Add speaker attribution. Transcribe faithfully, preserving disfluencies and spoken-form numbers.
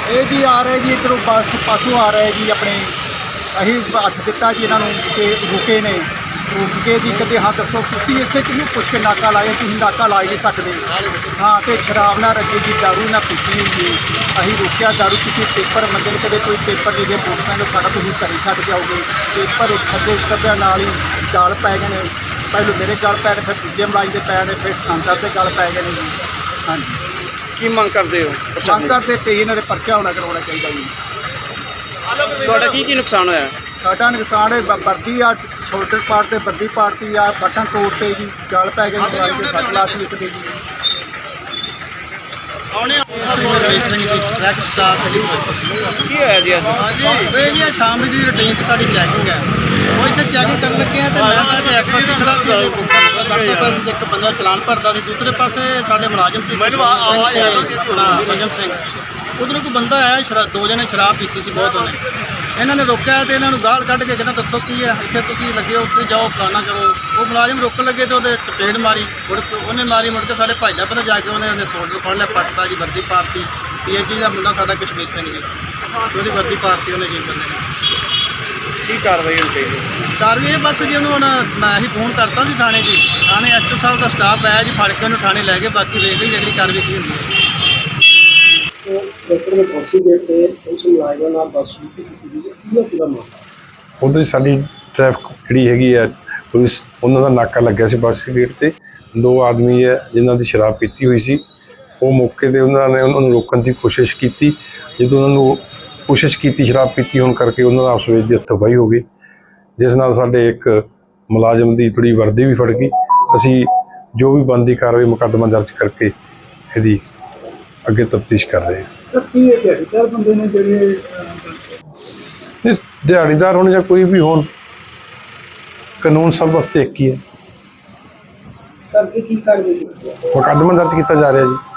Speaker 1: ਇਹ ਜੀ ਆ ਰਹੇ ਜੀ ਇੱਧਰੋਂ ਬੱਸ ਪਾਸੋਂ ਆ ਰਹੇ ਜੀ ਆਪਣੇ ਅਸੀਂ ਹੱਥ ਦਿੱਤਾ ਜੀ ਇਹਨਾਂ ਨੂੰ ਕਿ ਰੁਕੇ ਨੇ ਰੁਕ ਕੇ ਜੀ ਕਹਿੰਦੇ ਹਾਂ ਦੱਸੋ ਤੁਸੀਂ ਇੱਥੇ ਕਿਹਨੂੰ ਪੁੱਛ ਕੇ ਨਾਕਾ ਲਾਇਆ, ਤੁਸੀਂ ਨਾਕਾ ਲਾ ਹੀ ਨਹੀਂ ਸਕਦੇ। ਹਾਂ ਤੇ ਸ਼ਰਾਬ ਨਾ ਰੱਜੀ ਜੀ, ਦਾਰੂ ਨਾ ਪੀਤੀ ਹੋਈ ਜੀ। ਅਸੀਂ ਰੁਕਿਆ, ਦਾਰੂ ਪੀਤੀ, ਪੇਪਰ ਮੰਗੇ ਨੇ, ਕਦੇ ਕੋਈ ਪੇਪਰ ਦੇ ਦੇ ਮੋਟਰਸਾਈਕਲ ਸਾਡਾ ਤੁਸੀਂ ਘਰੇ ਛੱਡ ਜਾਓਗੇ। ਪੇਪਰ ਥੱਲੇ ਉਤਰਦਿਆਂ ਨਾਲ ਹੀ ਗਲ ਪੈ ਗਏ ਨੇ, ਪਹਿਲੋਂ ਮੇਰੇ ਗਲ ਪੈ ਗਏ, ਫਿਰ ਦੂਜੇ ਮਲਾਈ ਦੇ ਪੈ ਨੇ, ਫਿਰ ਥਾਣੇਦਾਰ ਦੇ ਗਲ ਪੈ ਗਏ ਨੇ ਜੀ। ਹਾਂਜੀ
Speaker 2: ਕੀ ਮੰਗ ਕਰਦੇ ਹੋ?
Speaker 1: ਮੰਗ ਕਰਦੇ ਤੇ ਇਹਨਾਂ ਦੇ ਪਰਚਾ ਹੋਣਾ ਕਰਵਾਉਣਾ ਚਾਹੀਦਾ ਜੀ।
Speaker 2: ਤੁਹਾਡਾ ਕੀ ਕੀ ਨੁਕਸਾਨ ਹੋਇਆ?
Speaker 1: ਸਾਡਾ ਨੁਕਸਾਨ ਹੈ ਵਰਦੀ ਆ, ਸ਼ੋਲਡਰ ਪਾਰਟ ਤੇ ਵਰਦੀ ਪਾਰਟੀ ਆ, ਬਟਨ ਤੋੜਤੇ ਜੀ, ਗਲ ਪੈ ਗਏ, ਮੋਬਾਈਲ ਦੇ ਫੱਟ ਲਾਤੀ ਇੱਕ ਦੇ ਜੀ।
Speaker 3: ਟਰੈਕ ਸਟਾਰ
Speaker 2: ਕੀ ਹੋਇਆ ਜੀ ਅੱਜ?
Speaker 3: ਇਹ ਜੀ ਸ਼ਾਮ ਦੀ ਰੂਟੀਨ ਤੇ ਸਾਡੀ ਚੈਕਿੰਗ ਹੈ, ਉਹ ਇੱਥੇ ਚੈਕਿੰਗ ਕਰਨ ਲੱਗੇ ਆ ਤੇ ਮੈਂ ਤਾਂ ਜੀ ਇਸ ਪਾਸੇ ਖੜਾ ਸੀ, ਲੜਦੇ ਪਾਸੇ ਤੇ ਇੱਕ ਬੰਦਾ ਚਲਾਨ ਭਰਦਾ ਸੀ, ਦੂਸਰੇ ਪਾਸੇ ਸਾਡੇ ਮੁਲਾਜ਼ਮ ਸੀ ਆਪਣਾ ਭਜਨ ਸਿੰਘ। ਉਧਰੋਂ ਕੋਈ ਬੰਦਾ ਆਇਆ, ਸ਼ਰਾਬ ਦੋ ਜਣੇ ਸ਼ਰਾਬ ਪੀਤੀ ਸੀ ਬਹੁਤ, ਉਹਨੇ ਇਹਨਾਂ ਨੇ ਰੋਕਿਆ ਤੇ ਇਹਨਾਂ ਨੂੰ ਗਾਲ ਕੱਢ ਕੇ ਕਹਿੰਦਾ ਦੱਸੋ ਕੀ ਹੈ, ਇੱਥੇ ਤੁਸੀਂ ਲੱਗੇ ਹੋ, ਉੱਥੇ ਜਾਓ, ਫਲਾਣਾ ਕਰੋ। ਉਹ ਮੁਲਾਜ਼ਮ ਰੋਕਣ ਲੱਗੇ ਤੇ ਉਹਦੇ ਚਪੇੜ ਮਾਰੀ, ਮੁੜ ਕੇ ਉਹਨੇ ਮਾਰੀ, ਮੁੜ ਕੇ ਸਾਡੇ ਭਾਈਦਾ ਪਤਾ ਜਾ ਕੇ ਉਹਨੇ ਉਹਦੇ ਸ਼ੋਲਡਰ ਫੜ ਲਿਆ, ਪੱਟਦਾ ਜੀ, ਵਰਦੀ ਪਾਰਟੀ ਪੀ ਐਚ ਜੀ ਦਾ ਮੁੰਡਾ ਸਾਡਾ ਕਸ਼ਮੀਰ ਸਿੰਘ ਜੀ, ਉਹਦੀ ਵਰਦੀ ਪਾਰਟੀ ਉਹਨੇ ਜੀ ਬੰਦੇ ਨੇ।
Speaker 2: ਕੀ ਕਾਰਵਾਈ ਹੋਣੀ ਚਾਹੀਦੀ?
Speaker 3: ਕਾਰਵਾਈ ਇਹ ਬਸ ਜੀ ਉਹਨੂੰ ਹੁਣ ਮੈਂ ਹੀ ਫੋਨ ਕਰਤਾ ਸੀ ਥਾਣੇ ਜੀ, ਥਾਣੇ ਐਸ ਓ ਸਾਹਿਬ ਦਾ ਸਟਾਫ ਆਇਆ ਜੀ, ਫੜ ਕੇ ਉਹਨੂੰ ਥਾਣੇ ਲੈ ਕੇ, ਬਾਕੀ ਵੇਖ ਲਈ ਜਿਹੜੀ ਕਾਰਵਾਈ ਕੀ ਹੁੰਦੀ ਹੈ।
Speaker 4: ਉਧਰ ਸਾਡੀ ਟ੍ਰੈਫਿਕ ਜਿਹੜੀ ਹੈਗੀ ਹੈ ਪੁਲਿਸ, ਉਹਨਾਂ ਦਾ ਨਾਕਾ ਲੱਗਿਆ ਸੀ ਬੱਸ ਗੇਟ ਤੇ। ਦੋ ਆਦਮੀ ਹੈ ਜਿਨ੍ਹਾਂ ਦੀ ਸ਼ਰਾਬ ਪੀਤੀ ਹੋਈ ਸੀ, ਉਹ ਮੌਕੇ ਤੇ ਉਹਨਾਂ ਨੇ ਉਹਨਾਂ ਨੂੰ ਰੋਕਣ ਦੀ ਕੋਸ਼ਿਸ਼ ਕੀਤੀ। ਜਦੋਂ ਉਹਨਾਂ ਨੂੰ ਕੋਸ਼ਿਸ਼ ਕੀਤੀ, ਸ਼ਰਾਬ ਪੀਤੀ ਹੋਣ ਕਰਕੇ ਉਹਨਾਂ ਦਾ ਆਪਸ ਵਿੱਚ ਹੱਥੋਂ-ਪਾਈ ਹੋ ਗਈ, ਜਿਸ ਨਾਲ ਸਾਡੇ ਇੱਕ ਮੁਲਾਜ਼ਮ ਦੀ ਥੋੜ੍ਹੀ ਵਰਦੀ ਵੀ ਫੜ ਗਈ। ਅਸੀਂ ਜੋ ਵੀ ਬਣਦੀ ਕਾਰਵਾਈ ਮੁਕੱਦਮਾ ਦਰਜ ਕਰਕੇ ਇਹਦੀ ਅੱਗੇ ਤਫਤੀਸ਼ ਕਰ ਰਹੇ ਹਾਂ।
Speaker 1: ਸਰ ਕੀ ਇਹ ਦਿਹਾੜੀਦਾਰ ਬੰਦੇ ਨੇ ਜਿਹੜੇ
Speaker 4: ਇਸ ਦਿਹਾੜੀਦਾਰ ਹੋਣ ਜਾਂ ਕੋਈ ਵੀ ਹੋਣ, ਕਾਨੂੰਨ ਸਭ ਵਾਸਤੇ ਇੱਕ ਹੀ ਹੈ।
Speaker 1: ਕਰਕੇ ਕੀ ਕਾਰਵਾਈ
Speaker 4: ਮੁਕੱਦਮਾ ਦਰਜ ਕੀਤਾ ਜਾ ਰਿਹਾ ਜੀ।